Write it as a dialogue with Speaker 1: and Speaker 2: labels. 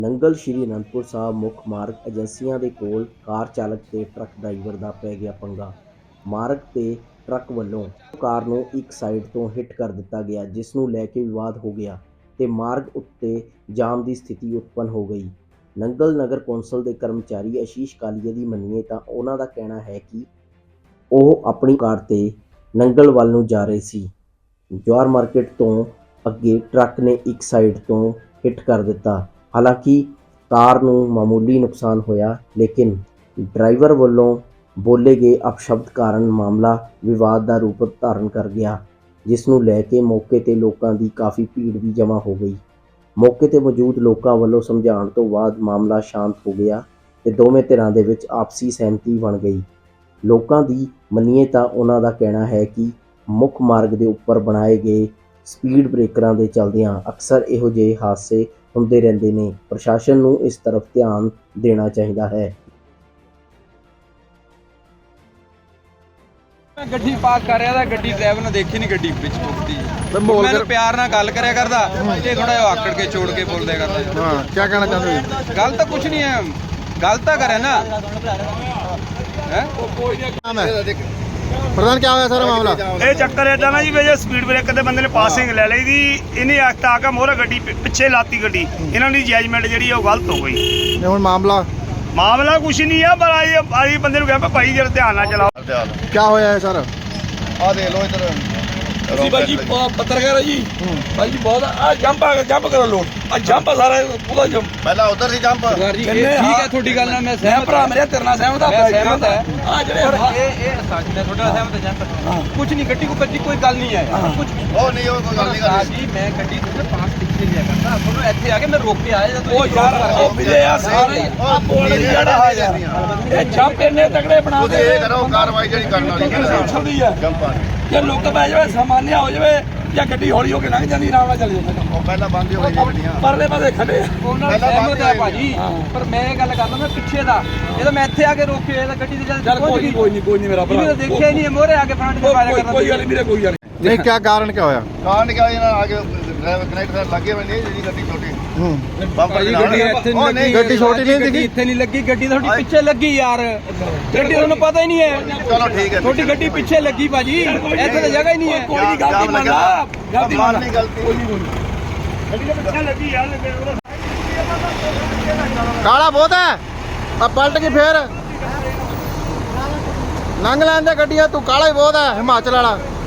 Speaker 1: ਨੰਗਲ ਸ਼੍ਰੀ ਅਨੰਦਪੁਰ ਸਾਹਿਬ ਮੁੱਖ ਮਾਰਗ ਏਜੰਸੀਆਂ ਦੇ ਕੋਲ ਕਾਰ ਚਾਲਕ ਤੇ ਟਰੱਕ ਡਰਾਈਵਰ ਦਾ ਪੈ ਗਿਆ ਪੰਗਾ। ਮਾਰਗ ਤੇ ਟਰੱਕ ਵੱਲੋਂ ਕਾਰ ਨੂੰ ਇੱਕ ਸਾਈਡ ਤੋਂ ਹਿੱਟ ਕਰ ਦਿੱਤਾ ਗਿਆ, ਜਿਸ ਨੂੰ ਲੈ ਕੇ ਵਿਵਾਦ ਹੋ ਗਿਆ ਤੇ ਮਾਰਗ ਉੱਤੇ ਜਾਮ ਦੀ ਸਥਿਤੀ ਉਤਪੰਨ ਹੋ ਗਈ। ਨੰਗਲ ਨਗਰ ਕੌਂਸਲ ਦੇ ਕਰਮਚਾਰੀ ਆਸ਼ੀਸ਼ ਕਾਲੀਆ ਦੀ ਮੰਨੀਏ ਤਾਂ ਉਹਨਾਂ ਦਾ ਕਹਿਣਾ ਹੈ ਕਿ ਉਹ ਆਪਣੀ ਕਾਰ ਤੇ ਨੰਗਲ ਵੱਲ ਨੂੰ ਜਾ ਰਹੇ ਸੀ। ਜਵਾਹਰ ਮਾਰਕੀਟ ਤੋਂ ਅੱਗੇ ਟਰੱਕ ਨੇ ਇੱਕ ਸਾਈਡ ਤੋਂ ਹਿੱਟ ਕਰ ਦਿੱਤਾ। ਹਾਲਾਂਕਿ ਕਾਰ ਨੂੰ ਮਾਮੂਲੀ ਨੁਕਸਾਨ ਹੋਇਆ, ਲੇਕਿਨ ਡਰਾਈਵਰ ਵੱਲੋਂ ਬੋਲੇ ਗਏ ਅਪਸ਼ਬਦ ਕਾਰਨ ਮਾਮਲਾ ਵਿਵਾਦ ਦਾ ਰੂਪ ਧਾਰਨ ਕਰ ਗਿਆ, ਜਿਸ ਨੂੰ ਲੈ ਕੇ ਮੌਕੇ ਤੇ ਲੋਕਾਂ ਦੀ ਕਾਫੀ ਭੀੜ ਵੀ ਜਮ੍ਹਾਂ ਹੋ ਗਈ। ਮੌਕੇ ਤੇ ਮੌਜੂਦ ਲੋਕਾਂ ਵੱਲੋਂ ਸਮਝਾਉਣ ਤੋਂ ਬਾਅਦ ਮਾਮਲਾ ਸ਼ਾਂਤ ਹੋ ਗਿਆ ਤੇ ਦੋਵੇਂ ਧਿਰਾਂ ਦੇ ਵਿੱਚ ਆਪਸੀ ਸਹਿਮਤੀ ਬਣ ਗਈ। ਲੋਕਾਂ ਦੀ ਮੰਨੀਏ ਤਾਂ ਉਹਨਾਂ ਦਾ ਕਹਿਣਾ ਹੈ ਕਿ ਮੁੱਖ ਮਾਰਗ ਦੇ ਉੱਪਰ ਬਣਾਏ ਗਏ ਸਪੀਡ ਬ੍ਰੇਕਰਾਂ ਦੇ ਚੱਲਦਿਆਂ ਅਕਸਰ ਇਹੋ ਜਿਹੇ ਹਾਦਸੇ ਹੁੰਦੇ ਰਹਿੰਦੇ ਨੇ। ਪ੍ਰਸ਼ਾਸਨ ਨੂੰ ਇਸ ਤਰਫ ਧਿਆਨ ਦੇਣਾ ਚਾਹੀਦਾ ਹੈ।
Speaker 2: ਗੱਡੀ ਪਾਰਕ ਕਰ ਰਿਹਾ ਤਾਂ ਗੱਡੀ ਡਰਾਈਵਰ ਨੇ ਦੇਖੀ ਨਹੀਂ, ਗੱਡੀ ਵਿੱਚ ਮੁੱਕਦੀ ਮੈਂ ਪਿਆਰ ਨਾਲ ਗੱਲ ਕਰਿਆ ਕਰਦਾ, ਇਹ ਥੋੜਾ ਜਿਹਾ ਆਕੜ ਕੇ ਛੋੜ ਕੇ ਬੋਲਦੇ ਕਰਦਾ।
Speaker 3: ਹਾਂ, ਕੀ ਕਹਿਣਾ ਚਾਹੁੰਦੇ ਹੋ?
Speaker 2: ਗੱਲ ਤਾਂ ਕੁਝ ਨਹੀਂ ਹੈ, ਗੱਲ ਤਾਂ ਕਰੇ ਨਾ ਹੈ।
Speaker 3: ਪ੍ਰਧਾਨ ਕੀ ਹੋਇਆ ਸਾਰਾ ਮਾਮਲਾ?
Speaker 4: ਇਹ ਚੱਕਰ ਇਦਾਂ ਨਾ ਜੀ, ਵੀ ਜੇ ਸਪੀਡ ਬ੍ਰੇਕਰ ਤੇ ਬੰਦੇ ਨੇ ਪਾਸਿੰਗ ਲੈ ਲਈ ਦੀ, ਇਹਨੇ ਆਖਤਾ ਆ ਕੇ ਮੋਹਰੇ ਗੱਡੀ ਪਿੱਛੇ ਲਾਤੀ ਗੱਡੀ, ਇਹਨਾਂ ਦੀ ਜਜਮੈਂਟ ਜਿਹੜੀ ਉਹ ਗਲਤ ਹੋ ਗਈ।
Speaker 3: ਹੁਣ ਮਾਮਲਾ
Speaker 4: ਕੁਛ ਨਹੀਂ ਆ, ਪਰ ਆਈ ਬੰਦੇ ਨੂੰ ਕਿਹਾ ਭਾਈ ਜਰਾ ਧਿਆਨ ਨਾਲ ਚਲਾਓ।
Speaker 3: ਕੀ ਹੋਇਆ ਹੈ ਸਰ?
Speaker 5: ਆ ਦੇਖ ਲਓ ਇਧਰ
Speaker 2: ਤੁਸੀਂ ਭਾਈ ਜੀ ਪੱਤਰਕਾਰ ਹੈ ਜੀ, ਭਾਈ ਜੀ ਬਹੁਤ ਆ ਜੰਪ ਕਰੋ ਲੋਡ, ਆ ਜੰਪ ਸਾਰਾ ਪੂਰਾ ਜੰਪ।
Speaker 5: ਪਹਿਲਾਂ ਉਧਰ ਸੀ ਜੰਪ।
Speaker 2: ਠੀਕ ਹੈ ਤੁਹਾਡੀ ਗੱਲ ਨਾਲ ਮੈਂ ਸਹਿਮਤ, ਭਰਾ ਮੇਰੇ ਤੇਰੇ ਨਾਲ ਸਹਿਮਤ ਆ, ਸਹਿਮਤ ਹੈ। ਆ ਜਿਹੜੇ ਇਹ ਸੱਚ ਨੇ, ਤੁਹਾਡਾ ਸਹਿਮਤ ਹੈ ਜੰਪ ਕੁਝ ਨਹੀਂ, ਗੱਡੀ ਕੋਈ ਗੱਲ ਨਹੀਂ ਹੈ ਕੁਝ।
Speaker 5: ਉਹ ਨਹੀਂ, ਉਹ ਕੋਈ ਗੱਲ ਨਹੀਂ ਕਰਦੀ
Speaker 2: ਜੀ। ਮੈਂ ਗੱਡੀ ਤੋਂ ਪਾਸ ਪਿੱਛੇ ਲਿਆ ਕਰਦਾ, ਤੁਹਾਨੂੰ ਇੱਥੇ ਆ ਕੇ ਮੈਂ ਰੋਕ ਕੇ ਆਇਆ ਜਦੋਂ
Speaker 4: ਉਹ ਯਾਰ ਉਹ ਵੀਰੇ ਆ ਸਾਰੇ
Speaker 5: ਉਹ ਬੋਲ ਜਿਹੜਾ ਆ
Speaker 4: ਇਹ ਜੰਪ ਇੰਨੇ ਤਗੜੇ ਬਣਾ
Speaker 5: ਤੁਸੀਂ ਇਹ ਕਰੋ ਕਾਰਵਾਈ ਜਿਹੜੀ ਕਰਨ ਵਾਲੀ ਹੈ ਜੰਪਾਂ
Speaker 4: ਜੇ ਲੁੱਕ ਪੈ ਜਾਵੇ, ਸਮਾਨਿਆ ਹੋ ਜਾਵੇ ਜਾਂ ਗੱਡੀ ਹੌਲੀ ਹੋ ਕੇ ਲੰਘ ਜਾਂਦੀ, ਆਰਾਮ ਨਾਲ ਚੱਲ ਜਾਂਦਾ।
Speaker 5: ਉਹ ਪਹਿਲਾਂ ਬੰਦ ਹੋ ਗਈਆਂ ਗੱਡੀਆਂ,
Speaker 4: ਪਰਲੇ ਪਾਸੇ ਖੜੇ
Speaker 2: ਉਹਨਾਂ ਨਾਲ ਸਹਿਮਤ ਹੈ ਭਾਜੀ, ਪਰ ਮੈਂ ਇਹ ਗੱਲ ਕਰਦਾ ਮੈਂ ਪਿੱਛੇ ਦਾ, ਜਦੋਂ ਮੈਂ ਇੱਥੇ ਆ ਕੇ ਰੋਕੇ ਤਾਂ ਗੱਡੀ ਤੇ ਚੱਲ ਕੋਈ ਨਹੀਂ ਮੇਰਾ ਭਰਾ, ਇਹਨੇ ਦੇਖਿਆ ਹੀ ਨਹੀਂ ਮੋਹਰੇ ਆ ਕੇ ਫਰੰਟ ਤੇ ਫਾਇਰ ਕਰਦਾ।
Speaker 4: ਕੋਈ ਗੱਲ ਨਹੀਂ, ਕੋਈ ਗੱਲ
Speaker 3: ਨਹੀਂ, ਕੀ ਕਾਰਨ ਕੀ ਹੋਇਆ?
Speaker 5: ਕਾਰਨ ਕਿਹਾ ਇਹਨਾਂ ਆ ਕੇ ਡਰਾਈਵਰ ਕਨੈਕਟਰ ਲੱਗੇ ਹੋਏ ਨੇ, ਜਿਹੜੀ ਗੱਡੀ ਛੋਟੀ ਬੰਪਰ ਦੀ
Speaker 2: ਗੱਡੀ ਇੱਥੇ
Speaker 5: ਉਹ ਨਹੀਂ,
Speaker 3: ਗੱਡੀ ਛੋਟੀ ਨਹੀਂ ਦਿਖੀ,
Speaker 2: ਇੱਥੇ ਨਹੀਂ ਲੱਗੀ, ਗੱਡੀ ਤੁਹਾਡੀ ਪਿੱਛੇ ਲੱਗੀ ਯਾਰ, ਗੱਡੀ ਤੁਹਾਨੂੰ ਪਤਾ ਹੀ ਨਹੀਂ ਹੈ।
Speaker 5: ਚਲੋ ਠੀਕ ਹੈ,
Speaker 2: ਤੁਹਾਡੀ ਗੱਡੀ ਪਿੱਛੇ ਲੱਗੀ ਭਾਜੀ, ਇੱਥੇ ਤਾਂ ਜਗ੍ਹਾ ਹੀ ਨਹੀਂ ਹੈ।
Speaker 4: ਕੋਈ ਨਹੀਂ, ਗਲਤੀ ਮੰਨ ਲਾ, ਗਲਤੀ ਮੰਨ ਲਾ।
Speaker 5: ਨਹੀਂ ਗਲਤੀ
Speaker 4: ਗੱਡੀ ਦੇ ਪਿੱਛੇ ਲੱਗੀ ਯਾਰ।
Speaker 3: ਕਾਲਾ ਬਹੁਤ ਹੈ, ਆ ਪਲਟ ਕੇ ਫੇਰ ਲੰਘ ਲੈਣ ਦੇ ਗੱਡੀਆਂ, ਤੂੰ ਕਾਲਾ ਹੀ ਬਹੁਤ ਹੈ ਹਿਮਾਚਲ ਵਾਲਾ।